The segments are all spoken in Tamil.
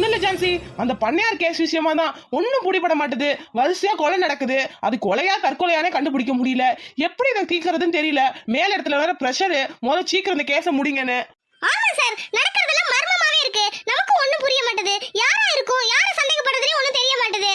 ஒண்ணு இல்ல ஜான்சி, அந்த பண்ணையார் கேஸ் விஷயமா தான் ஒன்னும் பிடிபட மாட்டுது. வரிசையா கொலை நடக்குது. அது கொலையா தற்கொலையானே கண்டுபிடிக்க முடியல. எப்படி இதை தீர்க்கறதுன்னு தெரியல. மேல இடத்துல வேற பிரஷர், முதல்ல சீக்கிரம் இந்த கேஸை முடிங்கன்னு. ஆமா சார், நடக்கிறதெல்லாம் மர்மமாவே இருக்கு. நமக்கு ஒண்ணும் புரிய மாட்டேது. யாரா இருக்கும், யார சந்தேகப்படுறதுனே ஒண்ணும் தெரிய மாட்டேது.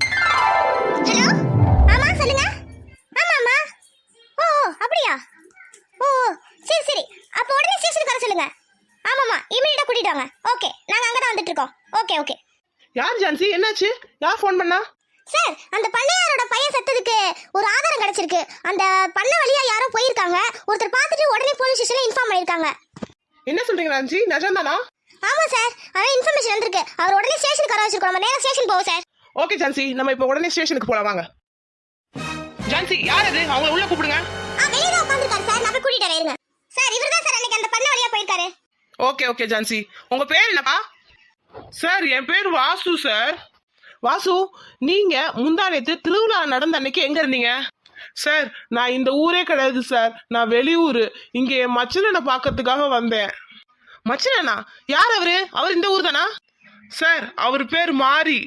ஹலோ, ஆமா சொல்லுங்க. ஆமாமா. ஓ அப்படியா? ஓ சரி சரி, அப்ப உடனே ஸ்டேஷனுக்கு வர சொல்லுங்க. ஆமாமா, இமிடியேட்டா கூட்டிட்டு வாங்க. ஓகே, நாங்க அங்க தான் வந்துட்டு இருக்கோம். Okay okay. யார் ஜான்சி, என்னாச்சு? யார் ஃபோன் பண்ணா? சார், அந்த பண்ணையாரோட பையன் செத்ததுக்கு ஒரு ஆதாரம் கிடைச்சிருக்கு. அந்த பண்ணை வழியா யாரோ போயிருக்காங்க. ஒருத்தர் பார்த்துட்டு உடனே போலீஸ் ஸ்டேஷன்ல இன்ஃபார்ம் பண்ணிருக்காங்க. என்ன சொல்றீங்க ஜான்சி, நிஜம்தானா? ஆமா சார், அதான் இன்ஃபர்மேஷன் வந்திருக்கு. அவர் உடனே ஸ்டேஷனுக்கு வர வச்சிருக்கோம். நம்ம நேரா ஸ்டேஷன் போவோம் சார். ஓகே ஜான்சி, நம்ம இப்ப உடனே ஸ்டேஷனுக்கு போலாம் வாங்க. ஜான்சி, யார் அது? அவங்கள உள்ள கூப்பிடுங்க. வெளிய தான் உட்கார்ந்திருக்காரு சார், நான் போய் கூட்டிட்டு வரேன். சார், இவர்தான் சார் அன்னைக்கு அந்த பண்ணை வழியா போயிருக்காரு. ஓகே ஓகே ஜான்சி, உங்க பேர் என்னப்பா? சார், என் பேர் வாசு சார். வாசு, நீங்க முந்தானேத்து திருவிழா நடந்த அன்னைக்கு எங்க இருந்தீங்க? சார், நான் இந்த ஊரே கிடையாது சார், நான் வெளியூர். இங்க என் மச்சனனை பார்க்கறதுக்காக வந்தேன். மச்சனனா? யார் அவரு? அவர் இந்த ஊர் தானா? சார், அவர் பேர் மாரி.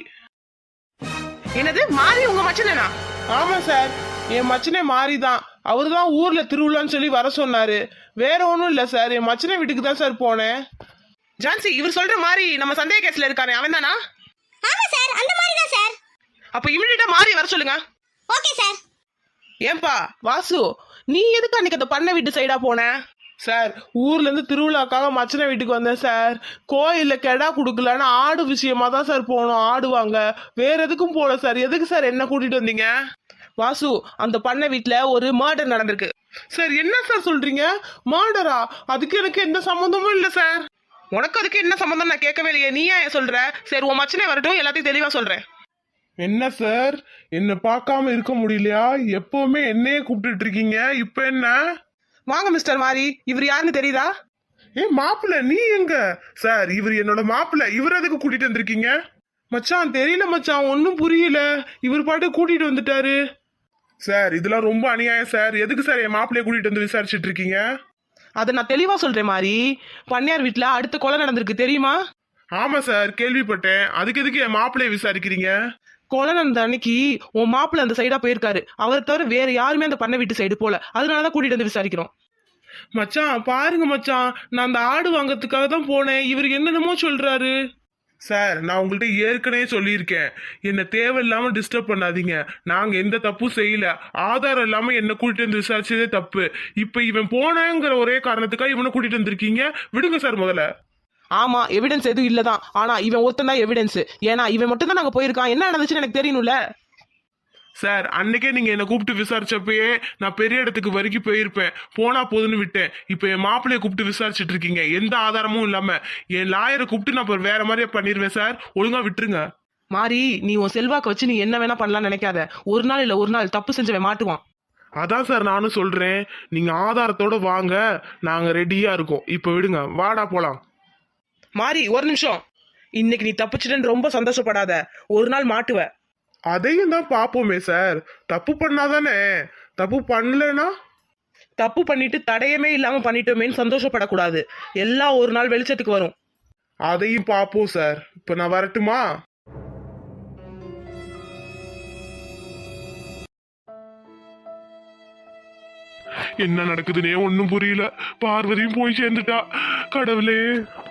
என்னது, மாரி உங்க மச்சனனா? ஆமா சார், என் மச்சனே மாரி தான். அவரு தான் ஊர்ல திருவிழான்னு சொல்லி வர சொன்னாரு. வேற ஒன்றும் இல்லை சார், என் மச்சனை வீட்டுக்கு தான் சார் போனேன். ஜான்சி, இவர் சொல்ற மாதிரி நம்ம சந்தேக கேஸ்ல இருக்கானே அவன் தானா? ஆமா சார், அந்த மாதிரி தான் சார். அப்ப இமிடியேட்டா மாறி வர சொல்லுங்க. Okay sir. ஏன்பா வாசு, நீ எதுக்கு அன்னைக்கு அந்த பண்ணை வீட்டு சைடா போன? சார், ஊர்ல இருந்து திருவிழாக்காக மச்சனை வீட்டுக்கு வந்தேன் சார். கோயில்ல கெடா குடுக்கலன்னு ஆடு விஷயமா தான் சார் போனோம். ஆடுவாங்க, வேற எதுக்கும் போல சார். எதுக்கு சார் என்ன கூட்டிட்டு வந்தீங்க? வாசு, அந்த பண்ணை வீட்டுல ஒரு மர்டர் நடந்திருக்கு. சார், என்ன சார் சொல்றீங்க? மர்டரா? அதுக்கு எனக்கு எந்த சம்மந்தமும் இல்ல சார். உனக்கு அதுக்கு என்ன சம்மந்தம் நான் கேட்கவே இல்லையே, நீ ஏன் சொல்ற? சரி, உன் மச்சனே வரட்டும், எல்லாத்தையும் தெளிவா சொல்றேன். என்ன சார், என்ன பார்க்காம இருக்க முடியலையா? எப்பவுமே என்னையே கூப்பிட்டு இருக்கீங்க, இப்ப என்ன? வாங்க மிஸ்டர் மாரி, இவர் யாருன்னு தெரியுதா? மாப்பிள்ள நீ எங்க? சார், இவர் என்னோட மாப்பிள்ள. இவர் எதுக்கு கூட்டிட்டு வந்திருக்கீங்க? மச்சான், தெரியல மச்சான், ஒன்னும் புரியல. இவர் பாட்டு கூட்டிட்டு வந்துட்டாரு. சார், இதெல்லாம் ரொம்ப அநியாயம் சார். எதுக்கு சார் என் மாப்பிள்ளைய கூட்டிட்டு வந்து விசாரிச்சுட்டு இருக்கீங்க? அதை நான் தெளிவா சொல்றேன் மாதிரி. பண்ணையார் வீட்டுல அடுத்த கொலை நடந்திருக்கு, தெரியுமா? ஆமா சார், கேள்விப்பட்டேன். அதுக்கு எதுக்கு என் மாப்பிள்ளைய விசாரிக்கிறீங்க? கொலை நடந்த அன்னைக்கு உன் மாப்பிள்ள அந்த சைடா போயிருக்காரு. அவரை தவிர வேற யாருமே அந்த பண்ணை வீட்டு சைடு போல. அதனாலதான் கூட்டிட்டு வந்து விசாரிக்கிறோம். மச்சான் பாருங்க மச்சான், நான் அந்த ஆடு வாங்கறதுக்காக தான் போனேன். இவர் என்னென்னமோ சொல்றாரு. சார், நான் உங்கள்கிட்ட ஏற்கனவே சொல்லியிருக்கேன், என்ன தேவையில்லாம டிஸ்டர்ப் பண்ணாதீங்க. நாங்க எந்த தப்பும் செய்யல. ஆதாரம் இல்லாம என்ன கூட்டிட்டு வந்து விசாரிச்சதே தப்பு. இப்ப இவன் போனேங்கிற ஒரே காரணத்துக்காக இவனை கூட்டிட்டு வந்திருக்கீங்க. விடுங்க சார் முதல்ல. ஆமா, எவிடன்ஸ் எதுவும் இல்லதான். ஆனா இவன் ஒருத்தன் தான் எவிடன்ஸ். ஏன்னா இவன் மட்டும் தான் நாங்க போயிருக்கான். என்ன நடந்துச்சுன்னு எனக்கு தெரியணும்ல சார். அன்னைக்கே நீங்க என்ன கூப்பிட்டு விசாரிச்சப்பயே நான் பெரிய இடத்துக்கு வரைக்கும் போயிருப்பேன். போனா போதுன்னு விட்டேன். இப்ப என் மாப்பிள்ளைய கூப்பிட்டு விசாரிச்சுட்டு இருக்கீங்க, எந்த ஆதாரமும் இல்லாம. என் லாயரை கூப்பிட்டு நான் வேற மாதிரியே பண்ணிருவேன் சார். ஒழுங்கா விட்டுருங்க. மாறி, நீ உன் செல்வாக்க வச்சு நீ என்ன வேணா பண்ணலாம்னு நினைக்காத. ஒரு நாள் இல்ல ஒரு நாள் தப்பு செஞ்சவன் மாட்டுவான். அதான் சார் நானும் சொல்றேன், நீங்க ஆதாரத்தோட வாங்க, நாங்க ரெடியா இருக்கோம். இப்ப விடுங்க, வாடா போலாம். மாறி, ஒரு நிமிஷம். இன்னைக்கு நீ தப்பிச்சிட்டேன்னு ரொம்ப சந்தோஷப்படாத. ஒரு நாள் மாட்டுவ. அதையும் தான் பாப்போமே சார். தப்பு பண்ணாதானே. தப்பு பண்ணலனா? தப்பு பண்ணிட்டு தடையமே இல்லாம பண்ணிட்டோமேன்னு சந்தோஷப்படக்கூடாது. எல்லாம் ஒரு நாள் வெளிச்சத்துக்கு வரும். அதையும் பாப்போம் சார். இப்ப நான் வரட்டுமா? என்ன நடக்குதுன்னே ஒன்னும் புரியல. பார்வதியும் போய் சேர்ந்துட்டா. கடவுளே.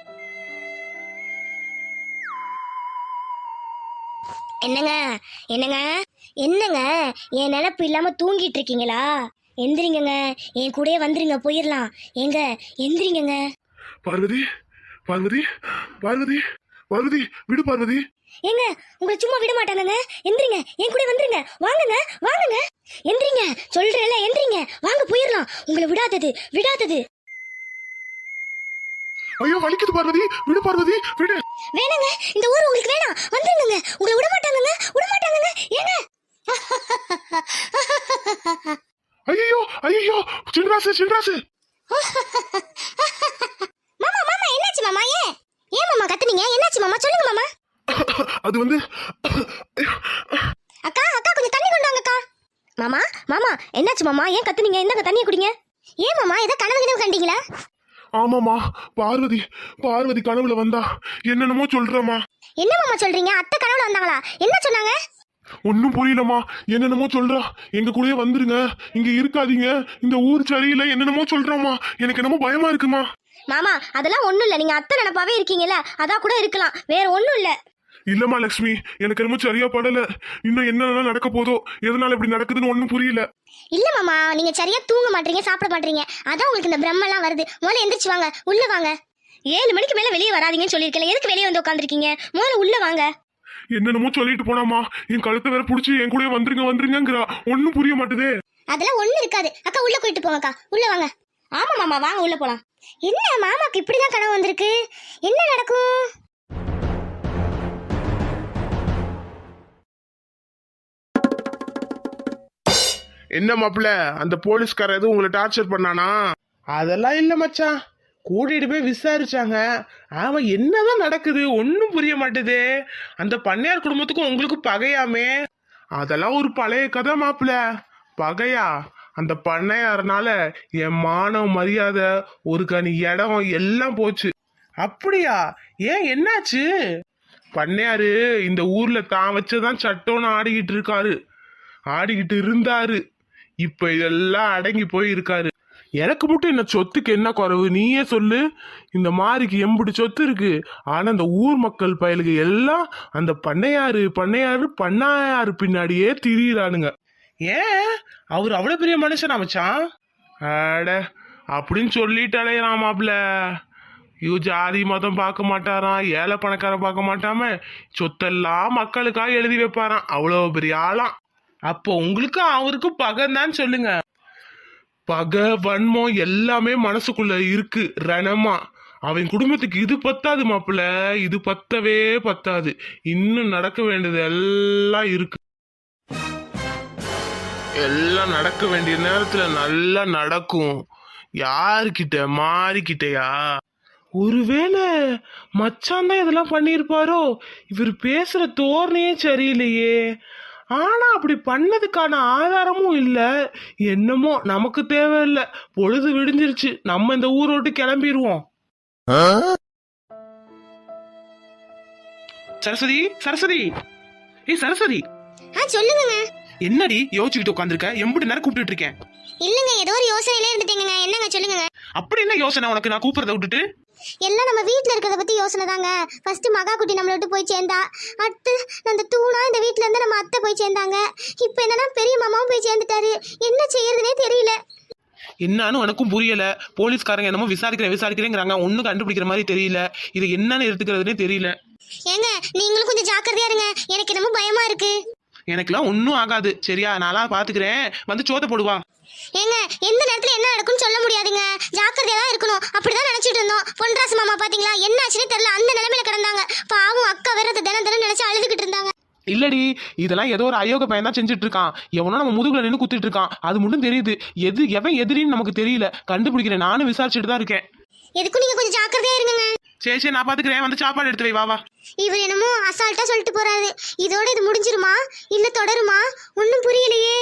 என்னங்க என்னங்க என்னங்க, என் நினப்பு இல்லாம தூங்கிட்டு இருக்கீங்களா? எந்திரிங்கங்க, என் கூடயே வந்துருங்க, போயிடலாம். எங்க எந்திரிங்கங்க. பார்வதி, பார்வதி, பார்வதி, பார்வதி, விடு பார்வதி. ஏங்க, உங்களை சும்மா விட மாட்டாங்கங்க. எந்திரிங்க, என் கூட வந்துருங்க. வாங்குங்க வாங்குங்க, எந்திரிங்க சொல்றேன்ல, எந்திரிங்க, வாங்க போயிடலாம். உங்களை விடாதது விடாதது. ஐயோ வலிக்குது பார்வதி, விடு பார்வதி, விடு. வேணாங்க, இந்த ஊர் உங்களுக்கு வேணாம். வந்துருங்க, உங்களை விட மாட்டாங்கங்க, விட மாட்டாங்கங்க. ஏங்க ஐயோ ஐயோ, சின்ராசு சின்ராசு. மாமா மாமா, என்னாச்சு மாமா? ஏன் ஏன் மாமா கத்துனீங்க? என்னாச்சு மாமா, சொல்லுங்க மாமா. அது வந்து அக்கா அக்கா, கொஞ்சம் தண்ணி கொண்டு வாங்க அக்கா. மாமா மாமா, என்னாச்சு மாமா? ஏன் கத்துனீங்க? இந்தாங்க தண்ணியை குடிங்க. ஏன் மாமா, ஏதோ கனவு கண்டீங்களா? ஆமாமா, பார்வதி பார்வதி கனவுல வந்தா என்னென்னமோ சொல்றமா. என்ன மாமா சொல்றீங்க? அத்தை கனவுல வந்தாங்களா? என்ன சொன்னாங்க? ஒன்னும் புரியலமா, என்னென்னமோ சொல்றா. எங்க கூடயே வந்துருங்க, இங்க இருக்காதீங்க, இந்த ஊர் சரியில்லை, என்னென்னமோ சொல்றாமா. எனக்கு என்னமோ பயமா இருக்குமா. மாமா அதெல்லாம் ஒண்ணும் இல்ல, நீங்க அத்தை நினைப்பாவே இருக்கீங்கல்ல, அதான் கூட இருக்கலாம், வேற ஒண்ணும் இல்ல. இல்லம்மா லட்சுமி, எனக்கு என்னமோ சரியா படல. இன்னும் என்னென்ன நடக்க போதோ, எதனால இப்படி நடக்குதுன்னு ஒன்னும் புரியல. இல்ல மாமா, நீங்க சரியா தூங்க மாட்டீங்க, சாப்பிட மாட்டீங்க, அதான் உங்களுக்கு இந்த பிரம்மெல்லாம் வருது. முதல்ல எந்திரிச்சு வாங்க, உள்ள வாங்க. 7 மணிக்கு மேல வெளியே வராதீங்கன்னு சொல்லியிருக்கேன், எதுக்கு வெளியே வந்து உட்காந்துருக்கீங்க? முதல்ல உள்ள வாங்க. என்னென்னமோ சொல்லிட்டு போனாமா, என் கழுத்தை வேற புடிச்சு என் கூட வந்துருங்கிறா. ஒன்னும் புரிய மாட்டுதே. அதெல்லாம் ஒண்ணு இருக்காது. அக்கா உள்ள போயிட்டு போங்கக்கா, உள்ள வாங்க. ஆமா மாமா, வாங்க உள்ள போலாம். என்ன மாமாக்கு இப்படிதான் கனவு வந்திருக்கு? என்ன நடக்கும்? என்ன மாப்பிள்ள, அந்த போலீஸ்கார எதுவும் உங்களை டார்ச்சர் பண்ணானா? அதெல்லாம் இல்ல மச்சான், கூட்டிட்டு போய் விசாரிச்சாங்க. அவன் என்னதான் நடக்குது ஒன்னும் புரிய மாட்டேதே. அந்த பண்ணையார் குடும்பத்துக்கும் உங்களுக்கு பகையாமே. அதெல்லாம் ஒரு பழைய கதை மாப்பிள்ள. பகையா? அந்த பண்ணையாரனால என் மானம் மரியாதை, ஒரு கனி இடம் எல்லாம் போச்சு. அப்படியா? ஏன் என்னாச்சு? பண்ணையாரு இந்த ஊர்ல தான் வச்சதான் சட்டம்னு ஆடிக்கிட்டு இருந்தாரு. இப்ப இதெல்லாம் அடங்கி போய் இருக்காரு. எனக்கு மட்டும் என்ன சொத்துக்கு என்ன குறைவு நீயே சொல்லு. இந்த மாதிரிக்கு எம்புடி சொத்து இருக்கு. ஆனா இந்த ஊர் மக்கள் பயலுக்கு எல்லாம் அந்த பண்ணையாரு பின்னாடியே திரியிறானுங்க. ஏன் அவர் அவ்வளவு பெரிய மனுஷனா மச்சான்? அட அப்படின்னு சொல்லிட்டு அலையறான் மாப்பிள்ள. ஜாதி மதம் பார்க்க மாட்டாராம், ஏழை பணக்காரன் பார்க்க மாட்டாம சொத்தெல்லாம் மக்களுக்காக எழுதி வைப்பாராம். அவ்வளவு பெரிய ஆளாம். அப்போ உங்களுக்கும் அவருக்கும் பகைன்னு சொல்லுங்க. பகை வன்மம் எல்லாமே மனசுக்குள்ள இருக்கு ரணமா. அவன் குடும்பத்துக்கு இது பத்தாது மாப்பிள்ள, இது பத்தவே பத்தாது. இன்னும் நடக்க வேண்டியது எல்லாம் இருக்கு. எல்லாம் நடக்க வேண்டிய நேரத்துல நல்லா நடக்கும். யாருக்கிட்ட? மாறிக்கிட்டயா? ஒருவேளை மச்சான் தான் இதெல்லாம் பண்ணியிருப்பாரோ? இவர் பேசுற தோரணையே சரியில்லையே. ஆனா அப்படி பண்ணதுக்கான ஆதாரமும் இல்ல. என்னமோ நமக்கு தேவையில்லை, பொழுது விடிஞ்சிருச்சு, நம்ம இந்த ஊரை விட்டு கிளம்பிடுவோம். சரஸ்வதி, சரஸ்வதி, ஏய் சரஸ்வதி. சொல்லுங்க. என்னடி யோசிச்சுக்கிட்டு உட்காந்துருக்க? எம்புட்டு நேரம் கூப்பிட்டு இருக்கேன். இல்லங்க, ஏதோ ஒரு யோசனையிலே இருந்துட்டீங்க. என்னங்க சொல்லுங்க. அப்படி என்ன யோசனை உனக்கு நான் கூப்பிடுறத விட்டுட்டு? எல்லாம் நம்ம வீட்ல இருக்கிறத பத்தி யோசனை தாங்க. ஃபர்ஸ்ட் மகா குட்டி நம்மள விட்டு போய் சேர்ந்தா, அடுத்து அந்த தூணா இந்த வீட்ல இருந்து நம்ம அத்தை போய் சேர்ந்தாங்க. இப்போ என்னன்னா பெரிய மாமாவும் போய் சேர்ந்துட்டாரு. என்ன செய்யறதுனே தெரியல. என்னன்னு எனக்கும் புரியல. போலீஸ்காரங்க என்னமோ விசாரிக்கிறேங்கிறாங்க, ஒன்னும் கண்டுபிடிக்கிற மாதிரி தெரியல. இது என்னன்னு எடுத்துக்கிறதுனே தெரியல. ஏங்க நீங்களும் கொஞ்சம் ஜாக்கிரதையா இருங்க, எனக்கு என்னமோ பயமா இருக்கு. எனக்குலாம் ஒன்னும் ஆகாது சரியா? நான்லாம் பாத்துக்கிறேன், வந்து சோத்த போடுவா. ஏங்க எந்த நேரத்துல என்ன நடக்கும்னு சொல்ல முடியாதுங்க, ஜாக்கிரதையா தான் இருக்கணும். அப்படிதான் நினைச்சிட்டு இருந்தோம். பொன்ராசு மாமா பாத்தீங்களா என்ன ஆச்சுன்னு தெரியல, அந்த நிலைமையில கிடந்தாங்க. பாவம் அக்கா வேற தினம் நினைச்சு அழுதுகிட்டு இருந்தாங்க. இல்லடி, இதெல்லாம் ஏதோ ஒரு அயோக பையன் தான் செஞ்சுட்டு இருக்கான். எவனோ நம்ம முதுகுல நின்று குத்திட்டு இருக்கான், அது மட்டும் தெரியுது. எவன் எதிரின்னு நமக்கு தெரியல, கண்டுபிடிக்கிறேன். நானும் விசாரிச்சுட்டு தான் இருக்கேன். எதுக்கும் நீங்க கொஞ்சம் ஜாக்கிரதையா இருங்க. சரி நான் பாத்துக்கிறேன், வந்து சாப்பாடு எடுத்து வை. வா. இவர் என்னமோ அசால்ட்டா சொல்லிட்டு போறாரு. இதோட இது முடிஞ்சிருமா இல்ல தொடருமா ஒன்னும் புரியலையே.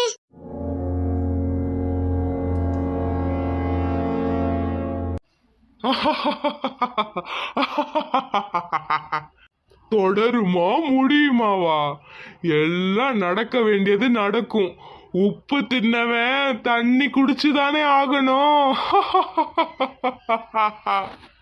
தொடருமா முடியுமாவா? எல்லாம் நடக்க வேண்டியது நடக்கும். உப்பு தின்னவன் தண்ணி குடிச்சுதானே ஆகணும்.